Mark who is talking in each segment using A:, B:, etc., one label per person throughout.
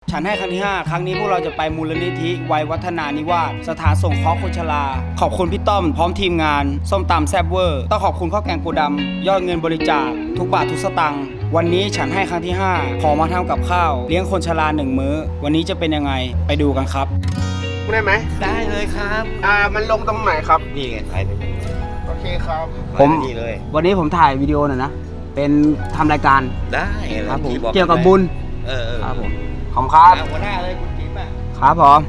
A: ฉันให้ครั้งที่5ครั้งนี้พวกเราจะไปมูลนิธิวัยวัฒนานิวาสสถานสงเคราะห์คนชราขอบคุณพี่ต้อมพร้อมทีมงานส้มตำแซ่บเวอร์ต้องขอบคุณข้าวแกงโกดำยอดเงินบริจาคทุกบาททุกสตางค์วันนี้ฉันให้ครั้งที่5ขอมาทำกับข้าวเลี้ยงคนชรา1 มื้อวันนี้จะเป็นยังไงไปดูกันครับ
B: ได้ไหม
C: ได้เลยครับ
B: มันลงตรงไหนครับ
C: นี่ไงไปเลย
B: โอเคครับ
A: ผม
C: นี่เลย
A: วันนี้ผมถ่ายวิดีโอหน่อยนะเป็นทำรายการ
C: ได้
A: ครับผม
C: ที่อก
A: เกี่ยวกับบุญครับผมขอบคุณครับ
C: หัวหน้าเลยคุณจิ๊บอ่ะ
A: ครับผม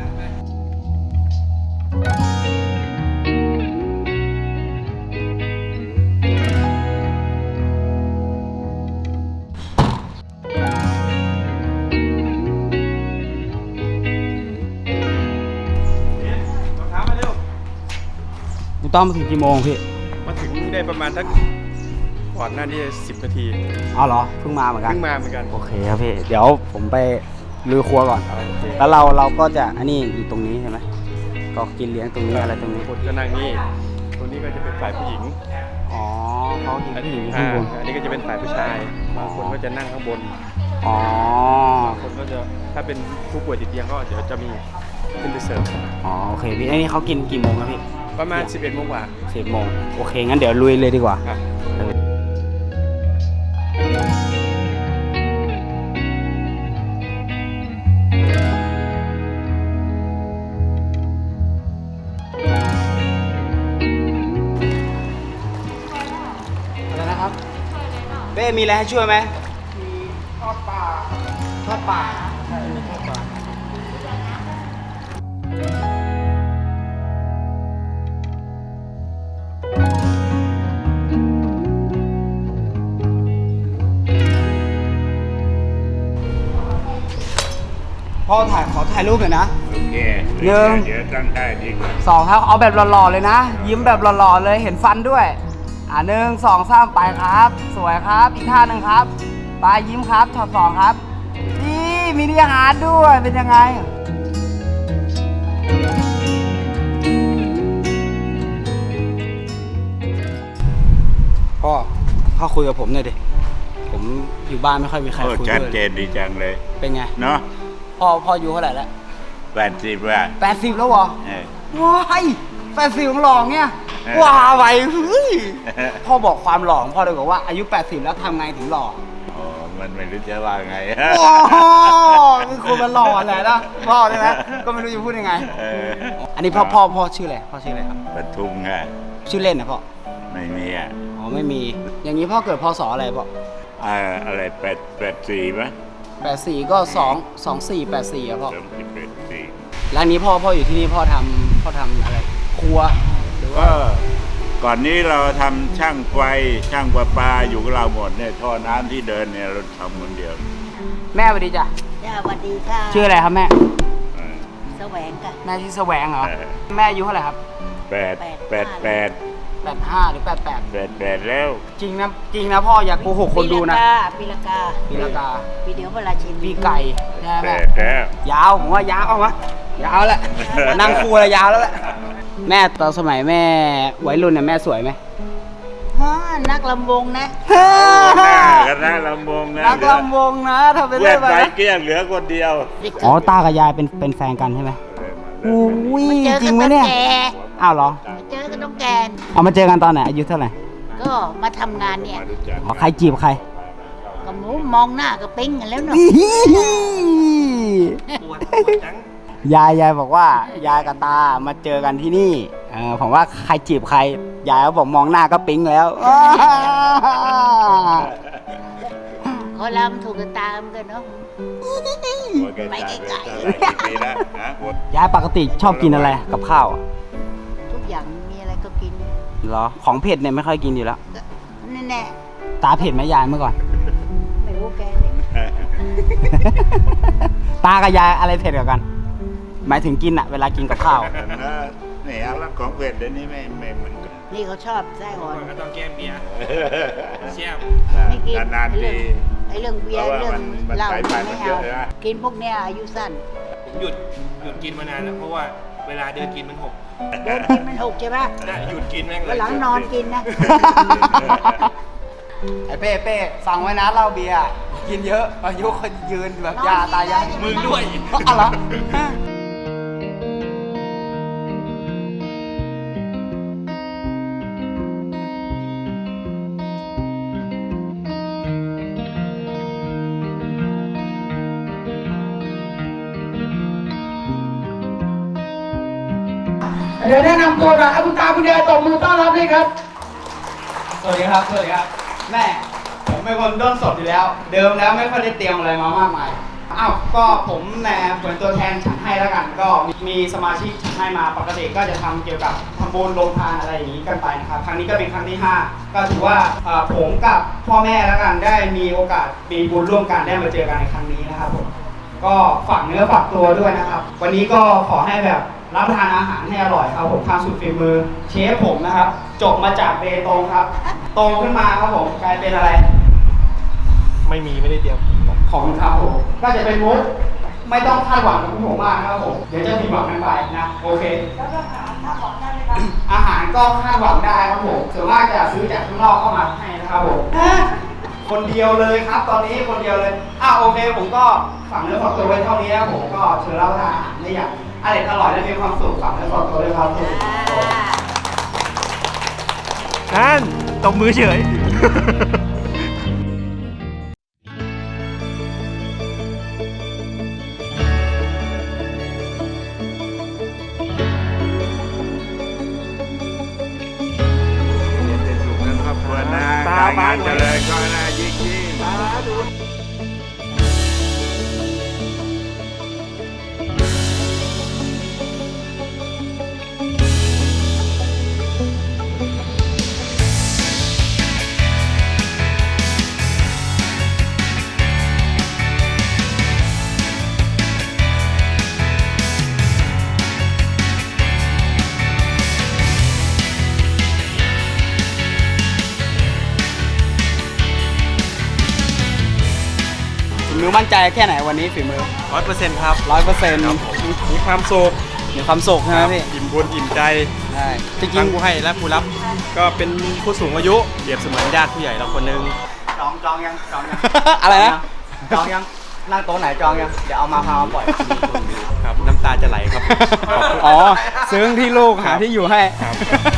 A: กูต้องมาถึงกี่โมงพี่
B: มาถึงได้ประมาณสักก่อนหน้านี้10 นาที
A: อ๋อเหรอเพิ่งมาเหมือนกัน
B: เพิ่งมาเหมือนกัน
A: โอเคครับพี่เดี๋ยวผมไปลุยครัวก่อนแล้วเราก็จะอันนี้อยู่ตรงนี้ใช่ไหมก็กินเลี้ยงตรงนี้อะไรตรงนี้
B: คนก็นั่งนี่ตรงนี้ก็จะเป็นฝ่ายผู้หญิง
A: อ๋อเขากินผู้หญิงข้างบน
B: อันนี้ก็จะเป็นฝ่ายผู้ชายบางคนก็จะนั่งข้างบน
A: อ๋อบ
B: างคนก็จะถ้าเป็นผู้ป่วยติดเตียงก็เดี๋ยวจะมีขึ้นไปเสิร์ฟ
A: อ๋อโอเคพี่อันนี้เขากินกี่โมงครับพี่
B: ประมาณ 11 โมงกว่า
A: 10 โมงโอเคงั้นเดี๋ยวลุยเลยดีกว่าอะไรนะครับเบ้มีอะไรให้ช่วยไหม
B: มีทอดปลา
A: ทอดปลา
B: ใช่มีทอดปลา
A: พ่อขอถ่ายรูปหน่อยนะ
C: โอเค
A: หนึ่ง
C: เดี๋ยวตั้งได้ดีกว่า
A: 2ครับเอาแบบหล่อๆเลยนะยิ้มแบบหล่อๆเลยเห็นฟันด้วย1 2 3ไปครับสวยครับอีกท่าหนึ่งครับไปยิ้มครับช็อต2ครับนี่มีอาหารด้วยเป็นยังไงพ่อคุยกับผมหน่อยดิผมอยู่บ้านไม่ค่อยมีใครคุยด้วย
C: ชัดเจนดีจังเลย
A: เป็นไง
C: เนาะ
A: พ่ออายุเท่าไหร่แล้ว
C: 80ว่า
A: 80แล้วเหรอว้าย80หล่อเนี่ยว้าไปเฮ้ยพ่อบอกความหล่อของพ่อเลยบอกว่าอายุ80แล้วทำไงถึงหล่อ
C: อ๋อมันไม่รู้จะว่าไง
A: โอ้คือคนมันหล่อแหละนะพ่อใช่ไหมก็ไม่รู้จะพูดยังไงอันนี้พ่อชื่ออะไรพ่อชื่ออะไรครับ
C: ปทุมไง
A: ชื่อเล่นนะพ่อ
C: ไม่มีอ่ะ
A: อ๋อไม่มีอย่างนี้พ่อเกิดพศอะไรพ่อ
C: อะไร84มั้ย
A: 84ก็2484อ่ะพ่อ
C: 24
A: แล้วนี้พ่ออยู่ที่นี่พ่อทำอะไรครัวหรือว่า
C: ก่อนนี้เราทำช่างไฟช่างประปาอยู่กับเราหมดเนี่ยท่อน้ำที่เดินเนี่ยเราทำคนเดียว
A: แม่สวัสดีจ้ะ
D: สวัสดีค่ะ
A: ชื่ออะไรครับแม่
D: แสวงค่ะ
A: แม่ชื่อแสวงเหรอแม่อายุเท่าไหร่ครับ
C: 85
A: หรือ
C: 88แล้ว
A: จริงนะพ่ออย่าโกหกคนดูนะ
D: ปีละกาปีเดียวเวลาชิน
A: ปีไก่ใช่ไหม
C: แล้ว
A: ยาวผมว่ายาวเอามายาวแล้วนั่งคู่แล้วยาวแล้วแหละแม่ตอนสมัยแม่วัยรุ่นเนี่ยแม่สวยไหม
D: นักลำวงนะ
C: นักลำวงนะ
A: นักลำวงนะทำเป็น
C: เล่นไปเกี้ยงเหลือคนเดียว
A: อ๋อตากับยายเป็นแฟนกันใช่ไหมอุ้ยจริงไหมเนี่ยอ้าวเหรอ
D: เจอกันต้องแกน
A: เอามาเจอกันตอนไหนอายุเท่าไหร่
D: ก็มาทำงานเนี่ย
A: อ๋อใครจีบใคร
D: ก็มองหน้าก็ปิ้งกันแล้วเนาะ
A: ยายบอกว่ายายกับตามาเจอกันที่นี่ผมว่าใครจีบใครยายเขาบอกมองหน้าก็ปิ๊งแล้ว
D: เขาลำถูกกันตามกันเนาะไปไกล
A: ๆยายปกติชอบกินอะไรกับข้าว
D: ทุกอย่างมีอะไรก็กิน
A: เหรอของเผ็ดเนี่ยไม่ค่อยกินอยู่แล้ว
D: แน่
A: ตาเผ็ดไหมยายเมื่อก่อน
D: ไม่รู้แกเลย
A: ตากับยายอะไรเผ็ดกว่ากันหมายถึงกินอะเวลากินกับข้าว
C: นี่อะไรของเผ็ดเดี๋ยวนี้ไม่เหมือนกัน
D: นี่เขาชอบไส้อ่อน
B: ก็ต้องแก้เบียร์เชี่ย
D: ไม่กิน
C: นานๆที
D: ไอ้เรื่องเบียร์เรื่องเหล้าไม่เอากินพวกเนี้ยอายุสั้น
B: ผมหยุดกินมานานแล้วเพราะว่าเวลาเดินกินมันหก
D: ใช่ไหม
B: หยุดกินแม่งเลย
D: หลังนอนกินนะ
A: ไอ้เป้ฟังไว้นะเหล้าเบียร์กินเยอะอายุคนยืนแบบยาตายายมึงด้วยอะไร
E: เดี๋ยวแนะนำตัวก่อนเอาคุณตาคุณยายตบมือต้อนรับด้วยครับ
A: สวัสดีครับแม่ผมเป็นคนด้นสดอยู่แล้ว เดิมแล้วไม่ค่อยได้เตรียมอะไรมามากมายอ้าวก็ผมแหม่เหมือนตัวแทนฉันให้แล้วกัน ก็มีสมาชิกฉันให้มาปกติก็จะทำเกี่ยวกับทำบุญโรงทานอะไรอย่างนี้กันไปนะครับครั้งนี้ก็เป็นครั้งที่ 5 ก็ถือว่าผมกับพ่อแม่แล้วกันได้มีโอกาสมีบุญร่วมกันได้มาเจอกันในครั้งนี้นะครับผมก็ฝากเนื้อฝากตัวด้วยนะครับ วันนี้ก็ขอให้แบบรับประทานอาหารให้อร่อยครับผมทำสุดฝีมือเชฟผมนะครับจบมาจากเบตงครับโตขึ้นมาครับผมกลายเป็นอะไร
B: ไม่ได้เตรียม
A: ของครับผมก็จะเป็นมุกไม่ต้องคาดหวังกับผมมากนะครับผมเดี๋ยวจะผิดหวังกันไปนะโอเคอาหารก็คาดหวังได้ครับผมส่วนมากจะซื้อจากข้างนอกเข้ามาให้นะครับผมคนเดียวเลยครับตอนนี้คนเดียวเลยโอเคผมก็ฝากเนื้อฝากตัวไว้เท่านี้นะผมก็เชิญรับประทานอาหารได้อย่างอร่อยและมีความสุขฝากเนื้อฝากตัวด้วยครับผม
B: นั่นตบมือเฉย
C: เป็นสุขในครอบครัวนะ
B: ตา
C: การ
B: บ้าง
C: านเจริญก็นะยิ่ง
B: สาธุ
A: ฝีมือมั่นใจแค่ไหนวันนี้ฝีมือ
B: 100%ครับ
A: 100%
B: มีความสุข
A: มีความสุขใช่ไหมพี่
B: อิ่มบุญอิ่มใจ
A: ใช่จริ
B: ทั้
A: ง
B: งผู้ให้และผู้รับ ก็เป็นผู้สูงอายุเปรียบเสมือนญาติผู้ใหญ่เราคนหนึง
A: จองยัง อะไรนะจองยังนั่งโต๊ะไหนจองยังเดี๋ยวเอามาพามาปล่อย
B: ครับน้ำตาจะไหลครับ
A: อ๋อซื้อที่ลูกหาที่อยู่ให้
B: ครับ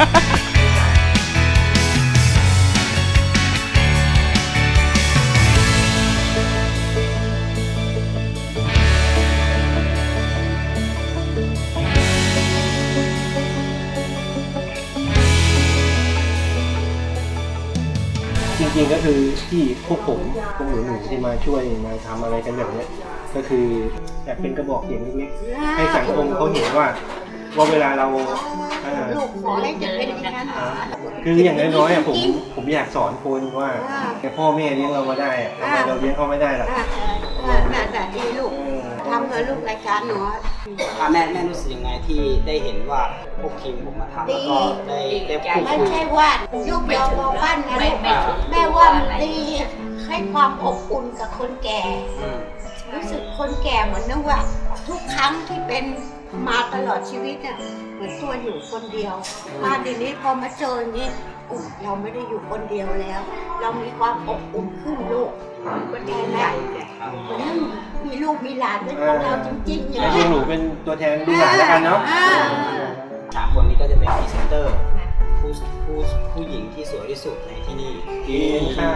F: จริงๆก็คือที่พวกหนูที่มาช่วยมาทำอะไรกันแบบเนี้ยก็คืออยากเป็นกระบอกเสียงเล็กๆให้สังคมเขาเห็นว่าเวลาเรา
D: ลูกขอให้จะเป็นอย่างนั้น
F: คืออย่างน้อยๆผมอยากสอนคนว่าพ่อแม่เลี้ยงเรามาได้อะทำไมเราเลี้ยงเขาไม่ได้ล่ะ
D: น่าดีลูกทำเถอะลูกรายการหนู
A: แม่รู้สึกยังไงที่ได้เห็นว่าพวกทีมผมมาทำแล้วก็ได้พูด
D: ไม่
A: คุย
D: ใช่ว่าลูกยอมบอกบ้านนะลูกแม่ว่ามันดีให้ความอบอุ่นกับคนแก่ รู้สึกคนแก่เหมือนนึกว่า ทุกครั้งที่เป็นมาตลอดชีวิตน่ะเหมือนตัวอยู่คนเดียวมาเดี๋ยวนี้พอมาเจออย่างนี้เราไม่ได้อยู่คนเดียวแล้ว เรามีความอบอุ่นขึ้นลูกก็ดีนะเพราะนั้นมีลูกมีหลานเป็นของเราจริงๆอย่าง
F: แล้ว
D: นี้
F: หนูเป็นตัวแทนลูกหลานแล้วกันเนาะ
A: สามคนนี้ก็จะเป็นพรีเซนเตอร์ผู้หญิงที่สวยที่สุดในที่นี่
F: ค่ะ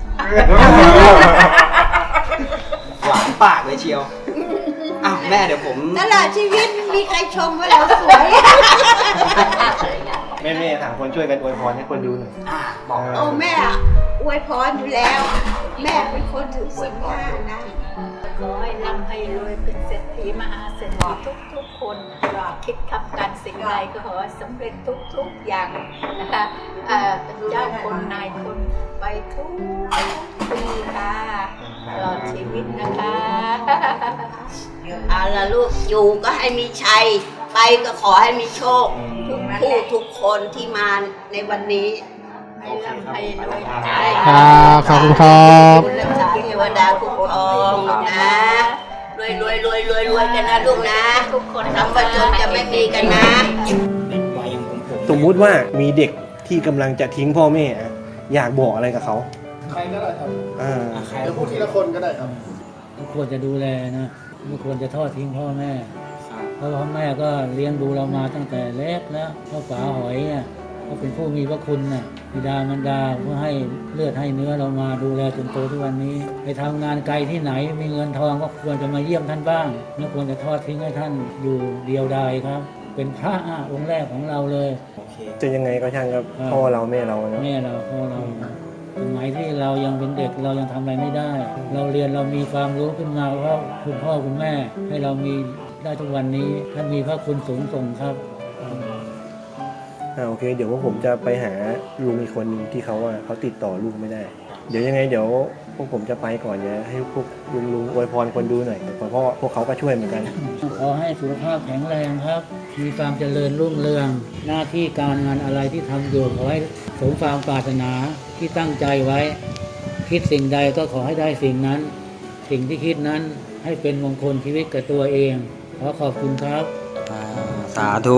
A: หวานปากเลยเชียวแม่เดี๋ยวผม
D: ตลอดชีวิตมีใครชมว่าเราสวย
F: แม่ๆ3 คนช่วยกันอวยพรให้คนดูหน่อย
A: บอก
D: โอ้แม่อวยพรอยู่แล้ว แม่เป็นคนถือศีล5นะ
G: ขอให้ร่ำให้รวยเป็นเศรษฐีมหาเศรษฐีทุกๆคนคิดทำการสิ่งใดก็ขอให้สำเร็จทุกๆอย่างนะคะเป็นเจ้าคนนายคนไปทุกปีค่ะตลอดชีวิตนะคะ
D: เอาละลูกอยู่ก็ให้มีชัย ไปก็ขอให้มีโชค ทุกผู้ทุกคนที่มาในวันนี้
G: ให้ร่ำให้รวย
E: ครับขอบคุณครับ
D: คุณรักษาเทวดาคุ้มครองลูกนะรวยกันนะลูกนะ
G: ทุกคน
D: ทำประจนจะไม่มีกันนะ
A: เด็กวัยอย่างผม
F: สมมุติว่ามีเด็กที่กำลังจะทิ้งพ่อแม่อะอยากบอกอะไรกับเขา
E: ใครก็ได้ครับ
A: ใคร
E: เดี๋ยวพูดทีละคนก็ได้ครับ
H: ไม่ควรจะดูแลนะไม่ควรจะทอดทิ้งพ่อแม่ เพราะพ่อแม่ก็เลี้ยงดูเรามาตั้งแต่เล็กแล้วพ่อป๋าหอยเนี่ยเขาเป็นผู้มีพระคุณน่ะบิดามารดาเพื่อให้เลือดให้เนื้อเรามาดูแลจนโตทุกวันนี้ไปทำงานไกลที่ไหนมีเงินทองก็ควรจะมาเยี่ยมท่านบ้างไม่ควรจะทอดทิ้งให้ท่านอยู่เดียวดายครับ เป็นพระองค์แรกของเราเลย
F: จะยังไงก็ช่างครับพ่อเราแม่เราเนาะ
H: แม่เราพ่อเราสมัยที่เรายังเป็นเด็กเรายังทำอะไรไม่ได้ เราเรียนเรามีความรู้ขึ้นมาเพราะคุณพ่อคุณแม่ ให้เรามีได้ทุกวันนี้ท่านมีพระคุณสูงส่งครับ
F: โอเค เดี๋ยวว่าผมจะไปหาลุงอีกคนหนึ่งที่เขาติดต่อลูกไม่ได้ เดี๋ยวยังไงเดี๋ยวพวกผมจะไปก่อนเนี่ยให้พวกลุงอวยพรคนดูหน่อยเพราะพวกเขาก็ช่วยเหมือนกัน
H: ขอให้สุขภาพแข็งแรงครับ มีความเจริญรุ่งเรือง หน้าที่การงานอะไรที่ทำอยู่ขอให้สมความปรารถนาที่ตั้งใจไว้ คิดสิ่งใดก็ขอให้ได้สิ่งนั้น สิ่งที่คิดนั้นให้เป็นมงคลชีวิตกับตัวเอง ขอขอบคุณครับ
A: สาธุ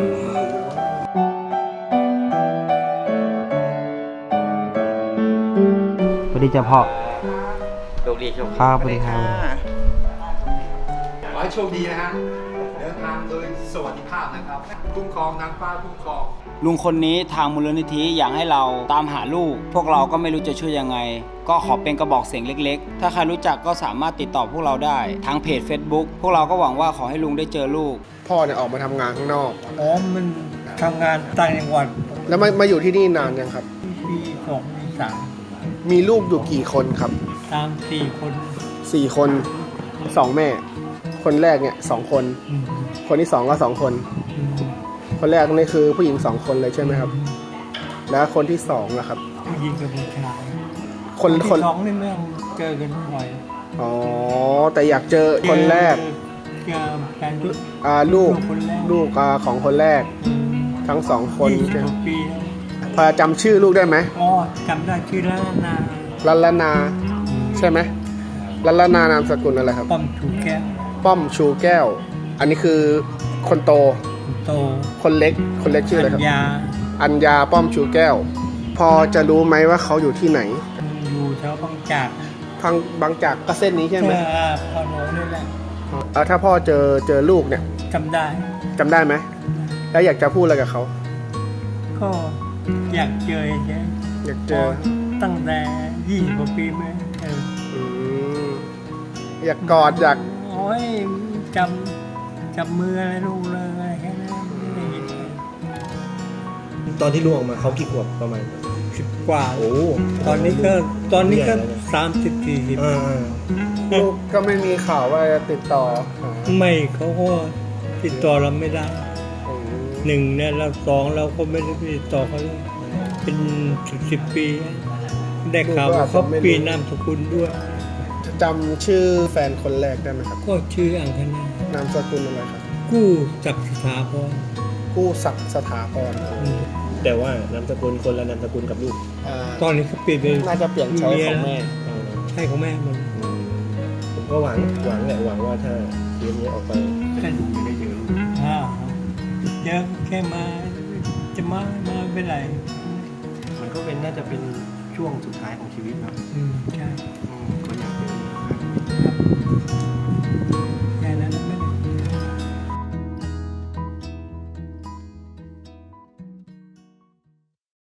A: สวัสดีจ้าพ่อ
B: โชคดีโชคดี
A: ครับสวัสดีครับ
E: ขอให้โชคดีนะฮะ เดินทางโดยสวัสดิภาพนะครับ คุ้มครองนางฟ้าคุ้มครอง
A: ลุงคนนี้ทางมูลนิธิอยากให้เราตามหาลูก พวกเราก็ไม่รู้จะช่วยยังไง ก็ขอเป็นกระบอกเสียงเล็กๆ ถ้าใครรู้จักก็สามารถติดต่อพวกเราได้ทางเพจ Facebook พวกเราก็หวังว่าขอให้ลุงได้เจอลูก
E: พ่อเนี่ยออกมาทำงานข้างนอก
H: อ๋อ มันทำงานต่างจังหวัด
E: แล้วมาอยู่ที่นี่นานยังครับ
H: ปี2 ปี
E: มีลูกอยู่กี่คนครับ
H: 3 3 4 คน
E: 4 คน 2 แม่ คนแรกเนี่ย2 คน คนที่ 2 ก็ 2 คน คนแรกนี่คือผู้หญิง 2 คนเลยใช่ไหมครับ แล้วคนที่2ล่ะครับ
H: ผู้หญิงกับผู้ชาย
E: คน
H: สองนี่ไม่ต้องเจอกันบ่อย
E: อ๋อ แต่อยากเจอคนแรก
H: เจอแฟน
E: ลูก
H: คนแรก
E: ลูกของคนแรก ทั้ง 2 คน
H: 20 กว่าปีแล้ว
E: พอจำชื่อลูกได้ไหม
H: อ๋อจำได้ชื่อแล้วนา
E: ลัลนาใช่ไหมลัลนานามสกุลอะไรครับ
H: ป้อมถูกแก้ว
E: ป้อมชูแก้ว อันนี้คือคนโต
H: โต
E: คนเล็กชื่ออะไรครับ
H: ยา
E: อัญญาป้อมชูแก้ว พอจะรู้ไหมว่าเขาอยู่ที่ไหน
H: อยู่แถวบางจาก
E: ทางบางจากก็เส้นนี้ใช่ไหม
H: พอโหนนี่แหละ
E: ถ้าพ่อเจอลูกเนี่ย
H: จำได้
E: จำได้ไหม แล้วอยากจะพูดอะไรกับเขา
H: ก็อยากเจอเฉย
E: อยากเจอ
H: ตั้งแต่20 กว่าปีมาเออ
E: อืมอยากกอดอยาก
H: โอ้ยจับมืออะไรลูกเลยอะไรแค่นั้นไม่ได้ยินเลย
F: ตอนที่ลูกออกมาเขากี่ขวบประมาณ
H: 10 กว่า
F: โอ้
H: ตอนนี้ก็
F: ใหญ่แล้วนะ
H: 30 40
E: ลูกก็ไม่มีข่าวว่าจะติดต่อหา
H: ไม่เขาก็ติดต่อเราไม่ได้
E: อืม
H: หนึ่งเนี่ยเรา2เราก็ไม่ได้ติดต่อเขาเลยเป็น10 ปี ได้ข่าวว่าเขาเปลี่ยนนามสกุลด้วย
E: จำชื่อแฟนคนแรกได้ไหมครับ
H: ก็ชื่ออังคณาน
E: ามสกุลอะไรครับ
H: กู้จักรสถาพร
E: กู้ศักดิ์สถาพร
F: แต่ว่านามสกุลคนละนามสกุลกับลูก
H: ตอนนี้เขาเปลี่ยนเป็น
E: น่าจะเปลี่ยนใช้ของแม่
H: ใช่ของแม่หมัน
F: ผมก็หวังแหละหวังว่าถ้าเคสนี้ออกไปจะได้เจอลูก
H: เยอะแค่มาจะมาเป็นไร
F: มันก็น่าจะเป็นช่วงสุดท้ายของชีวิตครับ
H: ใช่
F: ก็อยากเจอ